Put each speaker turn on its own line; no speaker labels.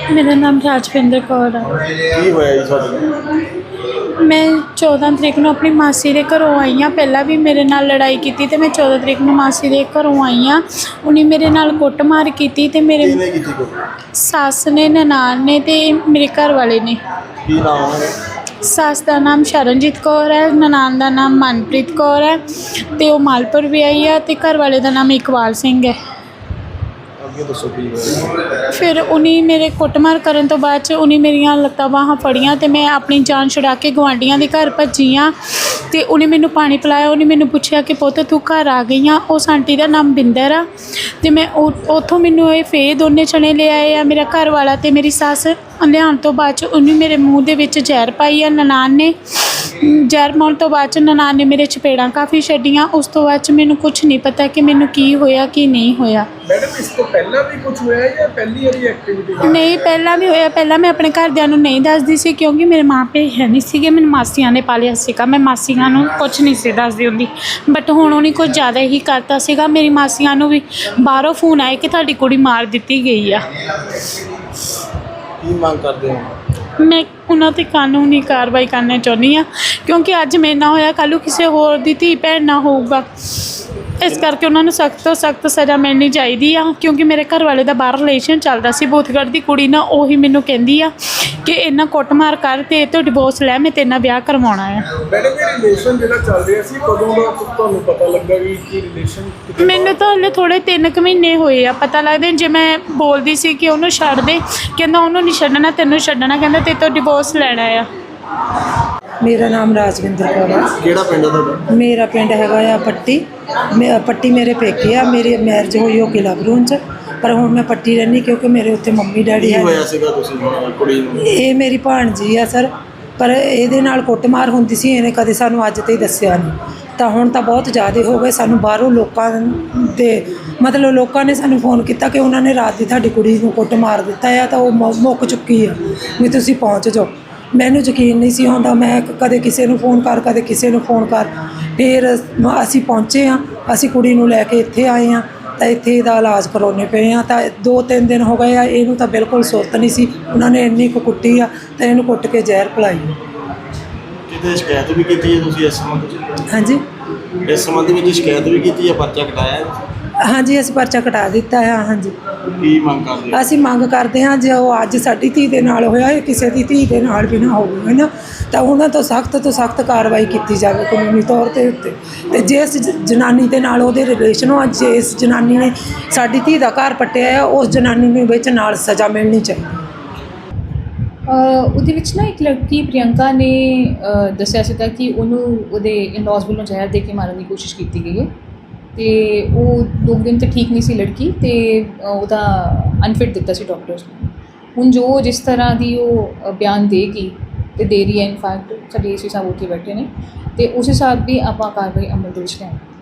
मेरा नाम राजविंदर कौर है।
ਕੀ ਹੋਇਆ ਜੀ ਤੁਹਾਡੇ ਨਾਲ?
मैं 14 तरीक ਨੂੰ ਆਪਣੀ ਮਾਸੀ ਦੇ ਘਰੋਂ ਆਈ ਹਾਂ। ਪਹਿਲਾਂ ਵੀ ਮੇਰੇ ਨਾਲ ਲੜਾਈ ਕੀਤੀ ਤੇ ਮੈਂ 14 ਤਰੀਕ ਨੂੰ ਮਾਸੀ ਦੇ ਘਰੋਂ ਆਈ ਹਾਂ। ਉਹਨੇ ਮੇਰੇ ਨਾਲ ਕੁੱਟਮਾਰ ਕੀਤੀ ਤੇ ਮੇਰੇ
ਕਿਹਨੇ ਕੀਤੀ ਕੋ?
ਸੱਸ ਨੇ, ਨਨਾਣ ਨੇ ਤੇ ਮੇਰੇ ਘਰ ਵਾਲੇ ਨੇ।
ਕੀ ਨਾਮ ਉਹਨਾਂ ਦਾ?
ਸੱਸ ਦਾ ਨਾਮ ਸ਼ਰਨਜੀਤ ਕੌਰ ਹੈ, ਨਨਾਣ ਦਾ ਨਾਮ ਮਨਪ੍ਰੀਤ ਕੌਰ ਹੈ ਤੇ ਉਹ ਮਾਲਪੁਰ ਵੀ ਆਈ ਹੈ ਤੇ ਘਰ ਵਾਲੇ ਦਾ ਨਾਮ ਇਕਬਾਲ ਸਿੰਘ ਹੈ।
ਅੱਗੇ ਦੱਸੋ ਕੀ ਹੋਇਆ?
ਫਿਰ ਉਹਨੇ ਮੇਰੇ ਕੁੱਟਮਾਰ ਕਰਨ ਤੋਂ ਬਾਅਦ 'ਚ ਉਹਨੇ ਮੇਰੀਆਂ ਲੱਤਾਂ ਬਾਹਾਂ ਫੜੀਆਂ ਤੇ ਮੈਂ ਆਪਣੀ ਜਾਨ ਛੁਡਾ ਕੇ ਗੁਆਂਢੀਆਂ ਦੇ ਘਰ ਭੱਜੀ ਹਾਂ ਤੇ ਉਹਨੇ ਮੈਨੂੰ ਪਾਣੀ ਪਿਲਾਇਆ। ਉਹਨੇ ਮੈਨੂੰ ਪੁੱਛਿਆ ਕਿ ਪੁੱਤ ਤੂੰ ਘਰ ਆ ਗਈ ਆ। ਉਸ ਆਂਟੀ ਦਾ ਨਾਮ ਬਿੰਦਰ ਆ ਤੇ ਮੈਂ ਉੱਥੋਂ ਮੈਨੂੰ ਇਹ ਫੇਰ ਦੋਨੇ ਚਣੇ ਲੈ ਆਏ ਆ, ਮੇਰਾ ਘਰ ਵਾਲਾ ਤੇ ਮੇਰੀ ਸੱਸ। ਲਿਆਉਣ ਤੋਂ ਬਾਅਦ 'ਚ ਉਹਨੇ ਮੇਰੇ ਮੂੰਹ ਦੇ ਵਿੱਚ ਜ਼ਹਿਰ ਪਾਈ ਆ ਨਨਾਣ ਨੇ। ਜ਼ਹਿਰ ਪਾਉਣ ਤੋਂ ਬਾਅਦ 'ਚ ਨਨਾਣ ਨੇ ਮੇਰੇ ਚਪੇੜਾਂ ਕਾਫੀ ਛੱਡੀਆਂ। ਉਸ ਤੋਂ ਬਾਅਦ 'ਚ ਮੈਨੂੰ ਕੁਛ ਨਹੀਂ ਪਤਾ ਕਿ ਮੈਨੂੰ ਕੀ ਹੋਇਆ ਕੀ ਨਹੀਂ ਹੋਇਆ।
ਮੈਡਮ ਇਸ ਤੋਂ ਪਹਿਲਾਂ ਵੀ ਕੁਝ ਹੋਇਆ ਜਾਂ ਪਹਿਲੀ ਵਾਰੀ ਐਕਟੀਵਿਟੀ?
ਨਹੀਂ, ਪਹਿਲਾਂ ਵੀ ਹੋਇਆ। ਪਹਿਲਾਂ ਮੈਂ ਆਪਣੇ ਘਰਦਿਆਂ ਨੂੰ ਨਹੀਂ ਦੱਸਦੀ ਸੀ ਕਿਉਂਕਿ ਮੇਰੇ ਮਾਂ ਪਿਓ ਹੈ ਨਹੀਂ ਸੀਗੇ। ਮੈਨੂੰ ਮਾਸੀਆਂ ਨੇ ਪਾਲਿਆ ਸੀਗਾ। ਮੈਂ ਮਾਸੀਆਂ ਨੂੰ ਕੁਛ ਨਹੀਂ ਸੀ ਦੱਸਦੀ ਹੁੰਦੀ, ਬਟ ਹੁਣ ਉਹਨੇ ਕੁਝ ਜ਼ਿਆਦਾ ਹੀ ਕਰਤਾ ਸੀਗਾ। ਮੇਰੀ ਮਾਸੀਆਂ ਨੂੰ ਵੀ ਬਾਹਰੋਂ ਫੋਨ ਆਏ ਕਿ ਤੁਹਾਡੀ ਕੁੜੀ ਮਾਰ ਦਿੱਤੀ ਗਈ ਆ।
ਕੀ ਮੰਗ ਕਰਦੇ ਹੋ?
ਮੈਂ ਉਹਨਾਂ 'ਤੇ ਕਾਨੂੰਨੀ ਕਾਰਵਾਈ ਕਰਨਾ ਚਾਹੁੰਦੀ ਹਾਂ ਕਿਉਂਕਿ ਅੱਜ ਮੇਰੇ ਨਾਲ ਹੋਇਆ, ਕੱਲ੍ਹ ਨੂੰ ਕਿਸੇ ਹੋਰ ਦੀ ਧੀ ਭੈਣ ਨਾਲ ਹੋਊਗਾ। ਇਸ ਕਰਕੇ ਉਹਨਾਂ ਨੂੰ ਸਖਤ ਤੋਂ ਸਖਤ ਸਜ਼ਾ ਮਿਲਣੀ ਚਾਹੀਦੀ ਆ ਕਿਉਂਕਿ ਮੇਰੇ ਘਰ ਵਾਲੇ ਦਾ ਬਾਹਰ ਰਿਲੇਸ਼ਨ ਚੱਲਦਾ ਸੀ ਬੋਥਗੜ੍ਹ ਦੀ ਕੁੜੀ ਨਾਲ। ਉਹੀ ਮੈਨੂੰ ਕਹਿੰਦੀ ਆ ਕਿ ਇਹਨਾਂ ਕੁੱਟਮਾਰ ਕਰ ਤੇ ਇਹ ਤੋਂ ਡਿਵੋਰਸ ਲੈ, ਮੈਂ ਤੇਰੇ ਨਾਲ ਵਿਆਹ ਕਰਵਾਉਣਾ ਆ।
ਮੈਡਮ ਇਹ ਰਿਲੇਸ਼ਨ ਜਿਹੜਾ ਚੱਲ ਰਿਹਾ ਸੀ ਕਦੋਂ ਦਾ ਤੁਹਾਨੂੰ ਪਤਾ ਲੱਗਾ ਵੀ ਕੀ ਰਿਲੇਸ਼ਨ?
ਮੈਨੂੰ ਤਾਂ ਹਲੇ ਥੋੜ੍ਹੇ 3 ਕੁ ਮਹੀਨੇ ਹੋਏ ਆ ਪਤਾ ਲੱਗਦੇ। ਜੇ ਮੈਂ ਬੋਲਦੀ ਸੀ ਕਿ ਉਹਨੂੰ ਛੱਡ ਦੇ, ਕਹਿੰਦਾ ਉਹਨੂੰ ਨਹੀਂ ਛੱਡਣਾ, ਤੈਨੂੰ ਛੱਡਣਾ, ਕਹਿੰਦਾ ਤੇਰੇ ਤੋਂ ਡਿਵੋਰਸ ਲੈਣਾ ਆ।
ਮੇਰਾ ਨਾਮ ਰਾਜਵਿੰਦਰ ਕੌਰ ਹੈ।
ਕਿਹੜਾ ਪਿੰਡ ਹੈ ਤੁਹਾਡਾ?
ਮੇਰਾ ਪਿੰਡ ਹੈਗਾ ਆ ਪੱਟੀ। ਪੱਟੀ ਮੇਰੇ ਪੇਕੇ ਆ। ਮੇਰੀ ਮੈਰਿਜ ਹੋਈ ਉਹ ਕਿਲ੍ਹਾ ਗਰੂਨ 'ਚ, ਪਰ ਹੁਣ ਮੈਂ ਪੱਟੀ ਰਹਿੰਦੀ ਕਿਉਂਕਿ ਮੇਰੇ ਉੱਥੇ ਮੰਮੀ ਡੈਡੀ
ਕੀ
ਹੈ।
ਹੋਇਆ ਸੀਗਾ ਤੁਸੀਂ ਕੁੜੀ ਨੂੰ?
ਇਹ ਮੇਰੀ ਭਾਣਜੀ ਆ ਸਰ, ਪਰ ਇਹਦੇ ਨਾਲ ਕੁੱਟਮਾਰ ਹੁੰਦੀ ਸੀ। ਇਹਨੇ ਕਦੇ ਸਾਨੂੰ ਅੱਜ ਤਾਈਂ ਦੱਸਿਆ ਨਹੀਂ। ਤਾਂ ਹੁਣ ਤਾਂ ਬਹੁਤ ਜ਼ਿਆਦਾ ਹੋ ਗਏ। ਸਾਨੂੰ ਬਾਹਰੋਂ ਲੋਕਾਂ ਦੇ ਮਤਲਬ ਲੋਕਾਂ ਨੇ ਸਾਨੂੰ ਫੋਨ ਕੀਤਾ ਕਿ ਉਹਨਾਂ ਨੇ ਰਾਤ ਦੀ ਤੁਹਾਡੀ ਕੁੜੀ ਨੂੰ ਕੁੱਟ ਮਾਰ ਦਿੱਤਾ ਆ ਤਾਂ ਉਹ ਮੁੱਕ ਚੁੱਕੀ ਆ ਵੀ ਤੁਸੀਂ ਪਹੁੰਚ ਜਾਓ। ਮੈਨੂੰ ਯਕੀਨ ਨਹੀਂ ਸੀ ਆਉਂਦਾ। ਮੈਂ ਕਦੇ ਕਿਸੇ ਨੂੰ ਫੋਨ ਕਰ, ਕਦੇ ਕਿਸੇ ਨੂੰ ਫੋਨ ਕਰ। ਫਿਰ ਅਸੀਂ ਪਹੁੰਚੇ ਹਾਂ। ਅਸੀਂ ਕੁੜੀ ਨੂੰ ਲੈ ਕੇ ਇੱਥੇ ਆਏ ਹਾਂ ਤਾਂ ਇੱਥੇ ਇਹਦਾ ਇਲਾਜ ਕਰਾਉਣੇ ਪਏ ਹਾਂ। ਤਾਂ 2-3 ਦਿਨ ਹੋ ਗਏ ਆ। ਇਹਨੂੰ ਤਾਂ ਬਿਲਕੁਲ ਸੁਰਤ ਨਹੀਂ ਸੀ। ਉਹਨਾਂ ਨੇ ਇੰਨੀ ਕੁ ਕੁੱਟੀ ਆ ਤਾਂ ਇਹਨੂੰ ਕੁੱਟ ਕੇ ਜ਼ਹਿਰ ਪਿਲਾਈ।
ਕਿਤੇ ਸ਼ਿਕਾਇਤ ਵੀ ਕੀਤੀ ਹੈ ਤੁਸੀਂ ਇਸ ਸੰਬੰਧ 'ਚ?
ਹਾਂਜੀ,
ਇਸ ਸੰਬੰਧ ਵਿੱਚ ਸ਼ਿਕਾਇਤ ਵੀ ਕੀਤੀ ਹੈ, ਪਰਚਾ ਕਟਾਇਆ ਹੈ?
ਹਾਂਜੀ ਅਸੀਂ ਪਰਚਾ ਕਟਾ ਦਿੱਤਾ ਹੈ। ਹਾਂਜੀ,
ਕੀ ਮੰਗ ਕਰਦੇ ਹੋ?
ਅਸੀਂ ਮੰਗ ਕਰਦੇ ਹਾਂ ਜੇ ਉਹ ਅੱਜ ਸਾਡੀ ਧੀ ਦੇ ਨਾਲ ਹੋਇਆ, ਇਹ ਕਿਸੇ ਦੀ ਧੀ ਦੇ ਨਾਲ ਵੀ ਨਾ ਹੋਵੇ, ਹੈ ਨਾ, ਤਾਂ ਉਹਨਾਂ ਤੋਂ ਸਖਤ ਕਾਰਵਾਈ ਕੀਤੀ ਜਾਵੇ ਕਾਨੂੰਨੀ ਤੌਰ 'ਤੇ ਉੱਤੇ। ਅਤੇ ਜਿਸ ਜਨਾਨੀ ਦੇ ਨਾਲ ਉਹਦੇ ਰਿਲੇਸ਼ਨ ਹੋ, ਜਿਸ ਜਨਾਨੀ ਨੇ ਸਾਡੀ ਧੀ ਦਾ ਘਰ ਪੱਟਿਆ ਆ, ਉਸ ਜਨਾਨੀ ਨੂੰ ਵਿੱਚ ਨਾਲ ਸਜ਼ਾ ਮਿਲਣੀ ਚਾਹੀਦੀ।
ਉਹਦੇ ਵਿੱਚ ਨਾ ਇੱਕ ਲੜਕੀ ਪ੍ਰਿਯੰਕਾ ਨੇ ਦੱਸਿਆ ਸੀਗਾ ਕਿ ਉਹਨੂੰ ਉਹਦੇ ਇਨ-ਲॉज ਵੱਲੋਂ ਜ਼ਹਿਰ ਦੇ ਕੇ ਮਾਰਨ ਦੀ ਕੋਸ਼ਿਸ਼ ਕੀਤੀ ਗਈ ਹੈ ਅਤੇ ਉਹ 2 ਦਿਨ ਤੋਂ ਠੀਕ ਨਹੀਂ ਸੀ ਲੜਕੀ ਅਤੇ ਉਹਦਾ ਅਨਫਿਟ ਦਿੱਤਾ ਸੀ ਡਾਕਟਰਸ ਨੇ। ਹੁਣ ਜੋ ਜਿਸ ਤਰ੍ਹਾਂ ਦੀ ਉਹ ਬਿਆਨ ਦੇਗੀ ਅਤੇ ਦੇ ਰਹੀ ਹੈ, ਇਨਫੈਕਟ ਸਾਡੇ ਏਸੀ ਸਾਹਿਬ ਉੱਥੇ ਬੈਠੇ ਨੇ ਅਤੇ ਉਸ ਹਿਸਾਬ ਦੀ ਆਪਾਂ ਕਾਰਵਾਈ ਅਮਲ ਦੇ ਵਿੱਚ ਲਿਆਵਾਂਗੇ।